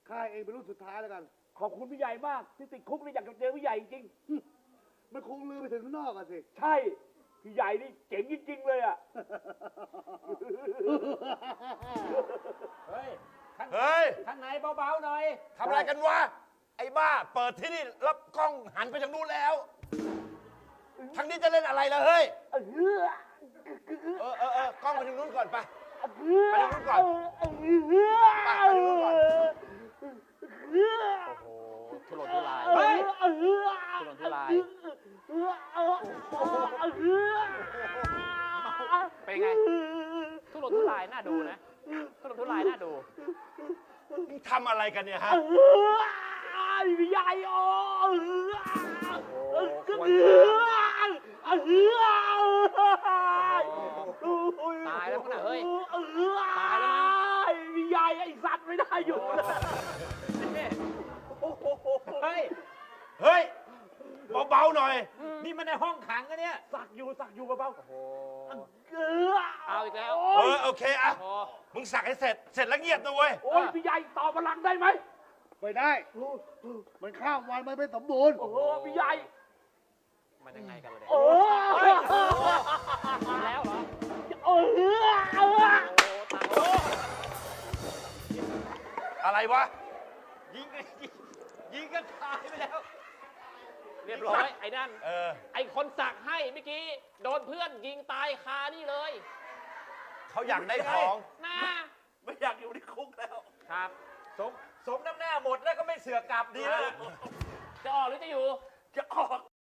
ข้าเองเป็นรุ่นสุดท้ายแล้วกันขอบคุณพี่ใหญ่มากที่ติดคุกนี่อยากจะเจอพี่ใหญ่จริงมันคงลือไปถึงข้างนอกอะสิใช่พี่ใหญ่นี่เจ๋งจริงๆเลยอ่ะเฮ้ยเฮ้ยข้างในเบาๆหน่อยทำอะไรกันวะ ไอ้บ้า เปิดที่นี่แล้วกล้องหันไปทางนู้นแล้วทางนี้จะเล่นอะไรล่ะเฮ้ย กล้องไปทางนู้นก่อนไปไปทางนู้นก่อนไปทางนู้นก่อนโอ้โหทุรนทุรายเฮ้ยทุรนทุรายเป็นไงทุรนทุรายน่าดูนะทุรนทุรายน่าดูมึงทำอะไรกันเนี่ยฮะพี่ใหญ่โอ้ควรตายแล้วมั้งนะเฮ้ยตายแล้วมั้งพี่ใหญ่ไอ้สัตว์ไม่ได้อยู่เลยเฮ้ยเฮ้ย เบาๆหน่อยนี่มันในห้องขังกันเนี่ยสักอยู่เบาโอ้โหๆเอาอีกแล้วโอเคอะโอ้มึงสักให้เสร็จ เสร็จแล้วเงียบนะเว้ยโอ้ยพี่ใหญ่ต่อพลังได้ไหมไม่ได้ มันข้ามวันมันไม่สมบูรณ์โอ้โหพี่ใหญ่มันยังไงกันเลยเนี่ยโอ้เฮ้ยแล้วเหรอโอ้โอ้ตายโอ้อะไรวะยิงกันตายไปแล้วเรียบร้อยไอ้นั่นเออไอ้คนสักให้เมื่อกี้โดนเพื่อนยิงตายคานี่เลยเขาอยากได้ของนะไม่อยากอยู่ในคุกแล้วครับสมน้ำหน้าหมดแล้วก็ไม่เสือกกลับดีแล้วจะออกหรือจะอยู่จะออก